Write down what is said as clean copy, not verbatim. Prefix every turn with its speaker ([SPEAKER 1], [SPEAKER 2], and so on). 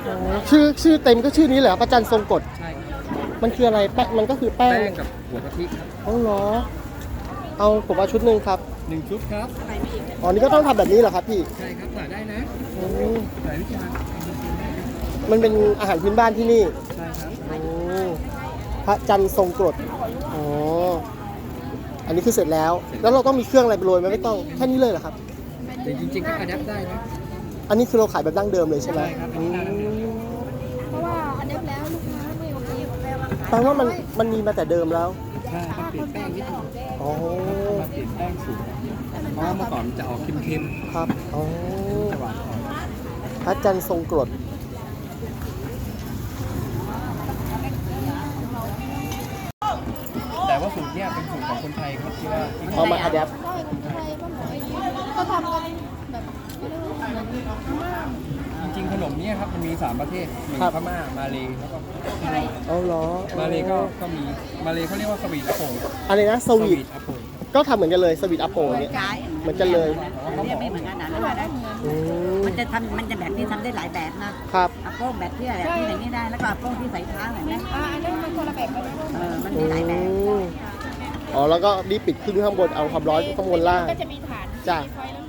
[SPEAKER 1] อ๋อชื่อเต็มก็ชื่อนี้เหรอพระจันทร์ทรงกฎ
[SPEAKER 2] ใช่ครับ
[SPEAKER 1] มันคืออะไรแป้งมันก็คือแป้
[SPEAKER 2] แป้
[SPEAKER 1] ง
[SPEAKER 2] งกับหัวกะทิครับ
[SPEAKER 1] อ๋อเหรอเอาผมเอาชุดหนึ่งครับ
[SPEAKER 2] 1 ชุดครับ
[SPEAKER 1] อ๋อนี่ก็ต้องทำแบบนี้เหรอครับพี่
[SPEAKER 2] ใช่ครับถ่ายได้นะ
[SPEAKER 1] อืม
[SPEAKER 2] ถ่ายวิจารณ์
[SPEAKER 1] มันเป็นอาหารพื้นบ้านที่นี่
[SPEAKER 2] ใช่ครับ
[SPEAKER 1] อืมพระจันทร์ทรงกรดอ๋ออันนี้คือเสร็จแล้ว แล้วเราต้องมีเครื่องอะไรไปโรยไหมไม่ต้องแค่นี้เลยเหรอครับ
[SPEAKER 2] แต่จริงๆก็อัดแอปได้นะ
[SPEAKER 1] อันนี้คือเราขายแบบดั้งเดิมเลยใช่ไหม
[SPEAKER 2] ใช่ครับอันนี้ดั้งเดิม
[SPEAKER 3] เพราะว่าอันนี้แล้วลูกค้าไม่โอเค
[SPEAKER 1] แปลว่ามันมีมาแต่เดิมแล้ว
[SPEAKER 2] ใช่ครับเปลี่ยนแป้งนิดนึง
[SPEAKER 1] อ๋อ
[SPEAKER 2] มาเปลี่ยนแป้งสูตรเพราะว่าเมื่อก่อนมันจะออกเค็ม
[SPEAKER 1] ครับอ๋อ
[SPEAKER 2] ๆจะหวานอ่อน
[SPEAKER 1] พระจันทร์ทรงกรด
[SPEAKER 2] แต่ว่าสูตรเนี้ยเป็นสูตรของคนไทยครับที่ว่าที่
[SPEAKER 1] เอามาอัดแอป
[SPEAKER 3] ใช่คนไทยก็หมอไอ้นี้ก็ทำกันแบบไม่รู้เหมือนอาม่า
[SPEAKER 2] จริงๆขนมเนี้ยครับมันมี 3 ประเทศมีพม่ามาเลแล้วก็ที่นี่
[SPEAKER 1] เอาเหรอ
[SPEAKER 2] มาเลก็มีมาเลเขาเรียกว่าสวีทอะโปง
[SPEAKER 1] อะไรนะสวีท
[SPEAKER 2] อะโปง
[SPEAKER 1] ก็ทำเหมือนกันเลยสวีทอัปโปเนี่ยเหมือนกันเลย
[SPEAKER 4] เนี่ยไม่เหมือนกันนะว่าได้
[SPEAKER 1] อืม
[SPEAKER 4] มันจะแบบนี้ทำได้หลายแบบนะครับ อะโป้งแบบที่อะไรที่ไหนนี่ได้แล้วก็อะโป้งที่ใส่เท้าเห็นไหม
[SPEAKER 3] อันนั้นมันคนละแบบกันเลย
[SPEAKER 4] มันมีหลายแบบ
[SPEAKER 1] อืมอ๋อแล้วก็รีบปิดขึ้นข้างบนเอาความร้อนข้างบนล่าง
[SPEAKER 3] ก็จะมีฐาน
[SPEAKER 1] จ้ะ
[SPEAKER 3] มีไฟแล้ว